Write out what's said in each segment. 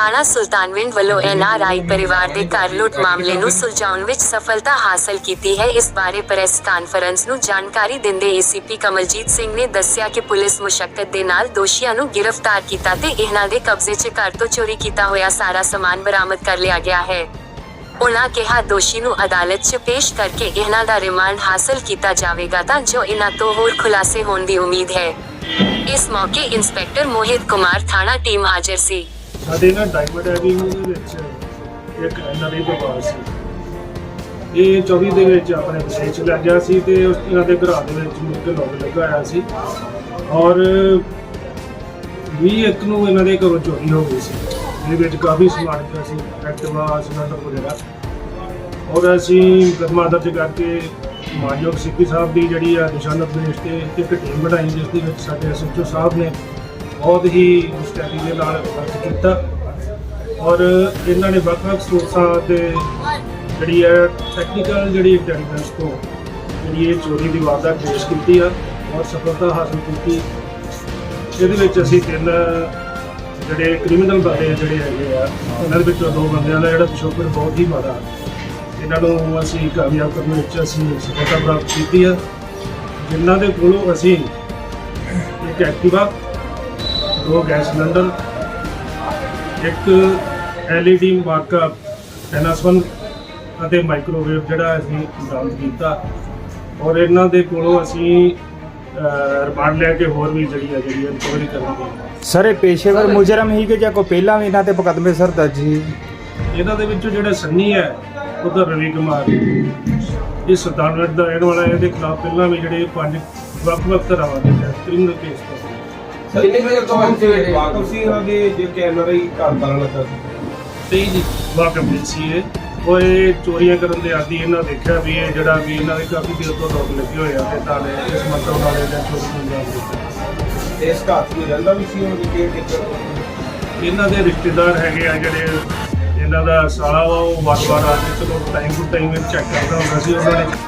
ਥਾਣਾ ਸੁਲਤਾਨਵਿੰਡ ਵੱਲੋਂ NRI ਪਰਿਵਾਰ ਦੇ ਘਰ ਲੁੱਟ ਮਾਮਲੇ ਨੂੰ ਸੁਲਝਾਉਣ ਵਿੱਚ ਸਫਲਤਾ ਹਾਸਲ ਕੀਤੀ ਹੈ। ਇਸ ਬਾਰੇ ਪ੍ਰੈਸ ਕਾਨਫਰੰਸ ਨੂੰ ਜਾਣਕਾਰੀ ਦਿੰਦੇ ACP ਕਮਲਜੀਤ ਸਿੰਘ ਨੇ ਦੱਸਿਆ ਕਿ ਪੁਲਿਸ ਮੁਸ਼ੱਕਤ ਦੇ ਨਾਲ ਦੋਸ਼ੀਆਂ ਨੂੰ ਗ੍ਰਿਫਤਾਰ ਕੀਤਾ ਤੇ ਇਹਨਾਂ ਦੇ ਕਬਜ਼ੇ 'ਚ ਘਰ ਤੋਂ ਚੋਰੀ ਕੀਤਾ ਹੋਇਆ ਸਾਰਾ ਸਮਾਨ ਬਰਾਮਦ ਕਰ ਲਿਆ ਗਿਆ ਹੈ। ਉਨ੍ਹਾਂ ਕਿਹਾ ਦੋਸ਼ੀ ਨੂੰ ਅਦਾਲਤ 'ਚ ਪੇਸ਼ ਕਰਕੇ ਇਹਨਾਂ ਦਾ ਰਿਮਾਂਡ ਹਾਸਲ ਕੀਤਾ ਜਾਵੇਗਾ ਤਾਂ ਜੋ ਇਹਨਾਂ ਤੋਂ ਹੋਰ ਖੁਲਾਸੇ ਹੋਣ ਦੀ ਉਮੀਦ ਹੈ। ਇਸ ਮੌਕੇ ਇੰਸਪੈਕਟਰ ਮੋਹਿਤ ਕੁਮਾਰ ਥਾਣਾ ਟੀਮ ਹਾਜ਼ਰ ਸੀ। ਸਾਡੇ ਨਾ ਡਾਇਮੰਡ ਐਵੀਨਿਊ ਦੇ ਵਿੱਚ ਇੱਕ NRI ਪਰਿਵਾਰ ਸੀ। ਇਹ 24 ਦੇ ਵਿੱਚ ਆਪਣੇ ਵਿਸ਼ੇ 'ਚ ਲੱਗ ਗਿਆ ਸੀ ਤੇ ਇਹਨਾਂ ਦੇ ਘਰਾਂ ਦੇ ਵਿੱਚ ਮੁੱਖ ਲੋਕ ਲੱਗਾ ਹੋਇਆ ਸੀ ਔਰ 21 ਨੂੰ ਇਹਨਾਂ ਦੇ ਘਰੋਂ ਚੋਰੀ ਹੋ ਗਈ ਸੀ। ਇਹਦੇ ਵਿੱਚ ਕਾਫੀ ਸਮਾਨ ਪਿਆ ਸੀ, ਐਕਟਿਵਾ, ਸਿਲੰਡਰ ਵਗੈਰਾ। ਔਰ ਅਸੀਂ ਮੁਕੱਦਮਾ ਦਰਜ ਕਰਕੇ ਮਾਨਯੋਗ CP ਸਾਹਿਬ ਦੀ ਜਿਹੜੀ ਆ ਦਿਸ਼ਾ ਨਿਰਦੇਸ਼ ਤੇ ਇੱਕ ਟੀਮ ਬਣਾਈ, ਜਿਸ ਦੇ ਵਿੱਚ ਸਾਡੇ SHO ਸਾਹਿਬ ਨੇ ਬਹੁਤ ਹੀ ਮੁਸਤੈਦੀ ਦੇ ਨਾਲ ਵਰਕ ਕੀਤਾ ਔਰ ਇਹਨਾਂ ਨੇ ਵੱਖ-ਵੱਖ ਸੋਰਸਾਂ ਤੇ ਜਿਹੜੀ ਹੈ ਟੈਕਨੀਕਲ ਜਿਹੜੀ ਇੰਟੈਲੀਜੈਂਸ ਤੋਂ ਜਿਹੜੀ ਇਹ ਚੋਰੀ ਦੀ ਵਾਰਦਾਤ ਪੇਸ਼ ਕੀਤੀ ਆ ਔਰ ਸਫਲਤਾ ਹਾਸਲ ਕੀਤੀ। ਇਹਦੇ ਵਿੱਚ ਅਸੀਂ 3 ਜਿਹੜੇ ਕ੍ਰਿਮੀਨਲ ਬੰਦੇ ਜਿਹੜੇ ਹੈਗੇ ਆ, ਉਹਨਾਂ ਦੇ ਵਿੱਚੋਂ 2 ਬੰਦਿਆਂ ਦਾ ਜਿਹੜਾ ਪਿਛੋਕੜ ਬਹੁਤ ਹੀ ਮਾੜਾ, ਇਹਨਾਂ ਨੂੰ ਅਸੀਂ ਕਾਮਯਾਬ ਕਰਨ ਵਿੱਚ ਅਸੀਂ ਸਫਲਤਾ ਪ੍ਰਾਪਤ ਕੀਤੀ ਆ। ਜਿਨ੍ਹਾਂ ਦੇ ਕੋਲੋਂ ਅਸੀਂ ਇੱਕ ਐਕਟਿਵਾ, 2 ਗੈਸ ਸਿਲੰਡਰ, ਇੱਕ LED ਮਾਰਕਾ NS1 ਅਤੇ ਮਾਈਕ੍ਰੋਵੇਵ ਜਿਹੜਾ ਅਸੀਂ ਬਰਾਮਦ ਕੀਤਾ ਔਰ ਇਹਨਾਂ ਦੇ ਕੋਲੋਂ ਅਸੀਂ ਰਿਮਾਂਡ ਲੈ ਕੇ ਹੋਰ ਵੀ ਜਿਹੜੀ ਰਿਕਵਰੀ ਕਰਾਂਗੇ। ਸਰ ਇਹ ਪੇਸ਼ੇਵਰ ਮੁਜਰਮ ਹੀ ਕਿ ਜਾਂ ਕੋਈ ਪਹਿਲਾਂ ਵੀ ਇਹਨਾਂ ਤੇ ਮੁਕੱਦਮੇ ਸਰ ਦਰਜ ਸੀ? ਇਹਨਾਂ ਦੇ ਵਿੱਚੋਂ ਜਿਹੜਾ ਸੰਨੀ ਹੈ ਉਹਦਾ ਰਵੀ ਕੁਮਾਰ, ਇਹ ਸੁਲਤਾਨਵਿੰਡ ਦਾ ਰਹਿਣ ਵਾਲਾ। ਇਹਦੇ ਖਿਲਾਫ ਪਹਿਲਾਂ ਵੀ ਜਿਹੜੇ 5 ਵੱਖ-ਵੱਖ ਤਰ੍ਹਾਂ ਦੇ ਕ੍ਰਿਮੀਨਲ ਕੇਸ ਪਏ। ਕਿੰਨੇ ਵਜੇ ਤੋਂ ਵਾਕਫ ਸੀ ਇਹਨਾਂ ਦੇ ਜੇ ਕਿ NRI ਘਰ ਤਾਲਾ ਲੱਗਾ ਸੀ? ਤੇ ਜੀ ਵਾਕਫ ਸੀ ਉਹ ਇਹ ਚੋਰੀਆਂ ਕਰਨ ਦੇ ਆਦੀ। ਇਹਨਾਂ ਦੇਖਿਆ ਵੀ ਇਹ ਜਿਹੜਾ ਵੀ ਇਹਨਾਂ ਦੇ ਕਾਫੀ ਦੇਰ ਤੋਂ ਲੋਕ ਲੱਗੇ ਹੋਏ ਆ ਤੇ ਤਾਲੇ ਇਸ ਮਤਲਬ ਨਾਲ ਇਹਦਾ ਚੋਰੀ ਨੂੰ ਅੰਜਾਮ ਦਿੱਤਾ। ਇਸ ਘਰ 'ਚ ਰਹਿੰਦਾ ਵੀ ਸੀ ਉਹ ਕੇ ਟਿਕਟ? ਇਹਨਾਂ ਦੇ ਰਿਸ਼ਤੇਦਾਰ ਹੈਗੇ ਆ ਜਿਹੜੇ ਇਹਨਾਂ ਦਾ ਸਾਲਾ ਵਾ, ਉਹ ਵਾਰ-ਵਾਰ ਆ ਕੇ ਚਲੋ ਟਾਈਮ ਟੂ ਟਾਈਮ ਚੈੱਕ ਕਰਦਾ ਹੁੰਦਾ ਸੀ। ਉਹਨਾਂ ਨੇ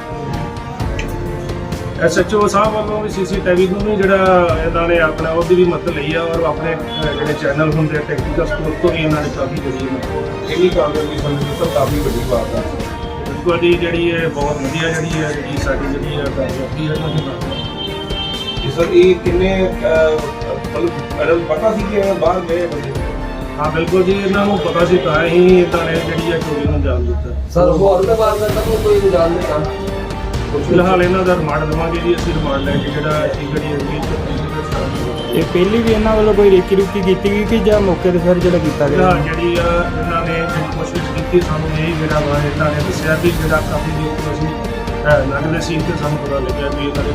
SHO ਸਾਹਿਬ ਵੱਲੋਂ ਵੀ CCTV ਨੂੰ ਵੀ ਜਿਹੜਾ ਇਹਨਾਂ ਨੇ ਆਪਣਾ ਉਹਦੀ ਵੀ ਮਦਦ ਲਈ ਆ ਔਰ ਆਪਣੇ ਜਿਹੜੇ ਚੈਨਲ ਹੁੰਦੇ ਆ ਟੈਕਨੀਕਲ ਸਪੋਰਟ ਤੋਂ ਵੀ ਇਹਨਾਂ ਨੇ ਕਾਫੀ ਜਿਹੜੀ ਇੰਨੀ ਕਾਮਯਾਬੀ ਸਮਝੀ ਤਾਂ ਕਾਫੀ ਵੱਡੀ ਬਾਤ ਆ। ਬਿਲਕੁਲ ਜੀ, ਜਿਹੜੀ ਇਹ ਬਹੁਤ ਵਧੀਆ ਜਿਹੜੀ ਸਾਡੀ ਜਿਹੜੀ ਕਾਮਯਾਬੀ ਹੈ ਇਹਨਾਂ ਦੀ ਬਾਤ। ਸਰ ਇਹ ਕਿੰਨੇ ਮਤਲਬ ਪਤਾ ਸੀ ਕਿ ਬਾਹਰ ਗਏ ਬੰਦੇ? ਹਾਂ ਬਿਲਕੁਲ ਜੀ, ਇਹਨਾਂ ਨੂੰ ਪਤਾ ਸੀ ਤਾਂ ਹੀ ਇਹਨਾਂ ਨੇ ਜਿਹੜੀ ਹੈ ਚੋਰੀ ਨੂੰ ਅੰਜਾਮ ਦਿੱਤਾ। ਸਰ ਹੋਰ ਵੀ ਬਾਤ ਕਰਦਾ ਕੋਈ ਇੰਜਾਮ ਨਹੀਂ ਕੰਮ। ਫਿਲਹਾਲ ਇਹਨਾਂ ਦਾ ਰਿਮਾਂਡ ਦੇਵਾਂਗੇ ਜੀ ਅਸੀਂ। ਰਿਮਾਂਡ ਲੈ ਕੇ ਜਿਹੜਾ ਅਸੀਂ ਜਿਹੜੀ ਇਹ ਪਹਿਲੀ ਵੀ ਇਹਨਾਂ ਵੱਲੋਂ ਕੋਈ ਰੇਕੀ ਰੁਕੀ ਕੀਤੀ ਗਈ ਕਿ ਜਾਂ ਮੌਕੇ ਤੇ ਫਿਰ ਜਿਹੜਾ ਕੀਤਾ ਗਿਆ? ਜਿਹੜੀ ਆ ਇਹਨਾਂ ਨੇ ਜਿਹੜੀ ਕੋਸ਼ਿਸ਼ ਕੀਤੀ, ਸਾਨੂੰ ਇਹ ਜਿਹੜਾ ਵਾ ਇਹਨਾਂ ਨੇ ਦੱਸਿਆ ਵੀ ਜਿਹੜਾ ਕਾਫੀ ਦੇਰ ਤੋਂ ਅਸੀਂ ਲੱਗਦੇ ਸੀ ਤੇ ਸਾਨੂੰ ਪਤਾ ਲੱਗਿਆ ਵੀ ਇਹਨਾਂ ਦੇ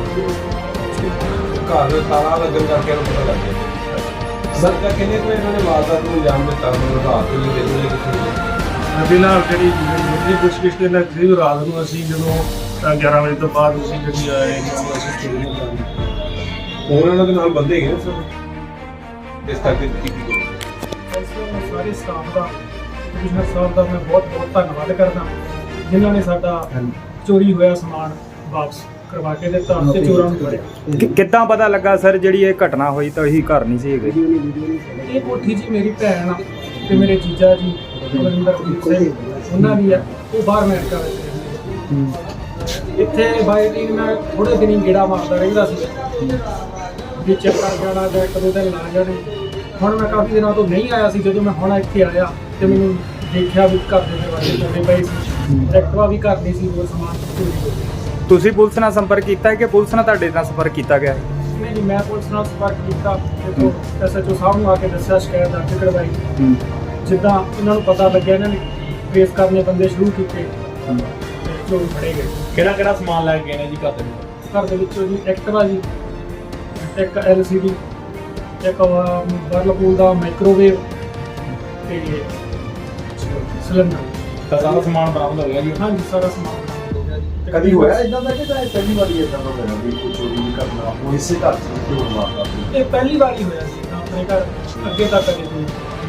ਘਰ ਤਾਲਾ ਲੱਗਣ ਕਰਕੇ ਇਹਨੂੰ ਪਤਾ ਲੱਗ ਗਿਆ। ਸਰ ਕਾ ਕਿੰਨੇ ਕੋਈ ਇਹਨਾਂ ਨੇ ਵਾਰਦਾਤ ਨੂੰ ਅੰਜਾਮ ਦਿੱਤਾ? ਮੈਨੂੰ ਰਾਤ ਨੂੰ ਦੇਖਦੇ ਕਿੱਥੇ ਫਿਲਹਾਲ ਜਿਹੜੀ ਪੁੱਛਗਿੱਛ ਦੇ ਨਾਲ ਰਾਤ ਨੂੰ ਅਸੀਂ ਜਦੋਂ 11 ਵਜੇ ਤੋਂ ਬਾਅਦ ਅਸੀਂ ਜਿਹੜੀ ਆਏ ਅਸੀਂ ਚੋਰੀ ਨੂੰ ਅੰਜਾਮ ਦਿੱਤਾ। ਹੋਰ ਇਹਨਾਂ ਦੇ ਨਾਲ ਬੰਦੇ ਹੈਗੇ ਨੇ ਸਰ? ਇਸ ਕਰਕੇ ਕੀ ਸਾਰੇ ਸਟਾਫ ਦਾ, ਕਮਿਸ਼ਨਰ ਸਾਹਿਬ ਦਾ ਮੈਂ ਬਹੁਤ ਧੰਨਵਾਦ ਕਰਦਾ ਜਿਨ੍ਹਾਂ ਨੇ ਸਾਡਾ ਚੋਰੀ ਹੋਇਆ ਸਮਾਨ ਵਾਪਸ ਕਰਵਾ ਕੇ ਦਿੱਤਾ ਤੇ ਚੋਰਾਂ ਨੂੰ ਫੜਿਆ। ਕਿੱਦਾਂ ਪਤਾ ਲੱਗਾ ਸਰ ਜਿਹੜੀ ਇਹ ਘਟਨਾ ਹੋਈ ਤਾਂ ਉਹੀ ਘਰ ਨਹੀਂ ਸੀ ਹੈਗੇ? ਇਹ ਕੋਠੀ ਜੀ ਮੇਰੀ ਭੈਣ ਆ ਤੇ ਮੇਰੇ ਜੀਜਾ ਜੀ ਬਲਵਿੰਦਰਜੀਤ ਸਿੰਘ ਉਹਨਾਂ ਦੀ ਆ, ਉਹ ਬਾਹਰ ਅਮਰੀਕਾ ਵਿੱਚ ਰਹਿੰਦੇ। ਇੱਥੇ ਬਾਈ ਦੀ ਮੈਂ ਥੋੜੇ ਦਿਨ ਗੇੜਾ ਮਾਰਦਾ ਰਹਿੰਦਾ ਸੀ, ਵੀ ਚੈੱਕ ਕਰ ਜਾਣਾ ਜਾਂ 1-2 ਦਿਨ ਲਾ ਜਾਣੇ। ਹੁਣ ਮੈਂ ਕਾਫੀ ਦਿਨਾਂ ਤੋਂ ਨਹੀਂ ਆਇਆ ਸੀ। ਜਦੋਂ ਮੈਂ ਹੁਣ ਇੱਥੇ ਆਇਆ ਤੇ ਮੈਨੂੰ ਦੇਖਿਆ ਵੀ ਘਰ ਦੇ ਦਰਵਾਜ਼ੇ ਖੋਲ੍ਹੇ ਪਏ ਸੀ, ਐਕਟਿਵਾ ਵੀ ਘਰ ਨਹੀਂ ਸੀ, ਹੋਰ ਸਮਾਨ ਚੋਰੀ ਹੋ ਗਿਆ। ਤੁਸੀਂ ਪੁਲਿਸ ਨਾਲ ਸੰਪਰਕ ਕੀਤਾ ਹੈ ਕਿ ਪੁਲਿਸ ਨਾਲ ਤੁਹਾਡੇ ਨਾਲ ਸੰਪਰਕ ਕੀਤਾ ਗਿਆ ਹੈ? ਨਹੀਂ ਜੀ, ਮੈਂ ਪੁਲਿਸ ਨਾਲ ਸੰਪਰਕ ਕੀਤਾ ਤੇ SHO ਸਾਹਿਬ ਨੂੰ ਆ ਕੇ ਦੱਸਿਆ, ਸ਼ਿਕਾਇਤ ਦਰਜ ਕਰਵਾਈ। ਜਿੱਦਾਂ ਇਹਨਾਂ ਨੂੰ ਪਤਾ ਲੱਗਿਆ ਇਹਨਾਂ ਨੇ ਟ੍ਰੇਸ ਕਰਨੇ ਬੰਦੇ ਸ਼ੁਰੂ ਕੀਤੇ ਤੇ ਚੋਰ ਫੜੇ ਗਏ। ਕਿਹੜਾ ਸਮਾਨ ਲੈ ਕੇ ਗਏ ਨੇ ਜੀ ਘਰ ਦੇ? ਘਰ ਦੇ ਵਿੱਚੋਂ ਜੀ ਐਕਟਿਵਾ ਜੀ, ਇੱਕ LCD, ਇੱਕ ਵਰਲਪੂਲ ਦਾ ਮਾਈਕ੍ਰੋਵੇਵ ਤੇ ਸਿਲੰਡਰ। ਤਾਂ ਸਾਰਾ ਸਮਾਨ ਬਰਾਮਦ ਹੋ ਗਿਆ ਜੀ? ਹਾਂਜੀ, ਸਾਰਾ ਸਮਾਨ ਹੋ ਗਿਆ ਜੀ। ਕਦੀ ਹੋਇਆ ਇਦਾਂ ਦਾ ਕਿ ਪਹਿਲੀ ਵਾਰੀ ਇਦਾਂ ਦਾ ਹੋਇਆ ਵੀ ਕੋਈ ਚੋਰੀ ਨਹੀਂ ਕਰਨਾ ਉਹ ਇਸੇ ਘਰ 'ਚ ਕਿਉਂ ਮਾਰਦਾ? ਇਹ ਪਹਿਲੀ ਵਾਰੀ ਹੋਇਆ ਸੀ ਆਪਣੇ ਘਰ, ਅੱਗੇ ਤੱਕ ਕਦੇ ਨਹੀਂ।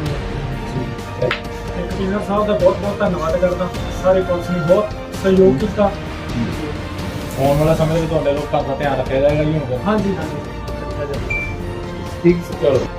ਕਮਿਸ਼ਨਰ ਸਾਹਿਬ ਦਾ ਬਹੁਤ ਧੰਨਵਾਦ ਕਰਦਾ। ਸਾਰੇ ਪੁਲਿਸ ਨੇ ਬਹੁਤ ਸਹਿਯੋਗ ਕੀਤਾ। ਆਉਣ ਵਾਲਾ ਸਮੇਂ ਵਿੱਚ ਤੁਹਾਡੇ ਲੋਕ ਘਰ ਦਾ ਧਿਆਨ ਰੱਖਿਆ ਜਾਏਗਾ ਜੀ ਹੁਣ? ਹਾਂਜੀ। ਠੀਕ ਚਲੋ।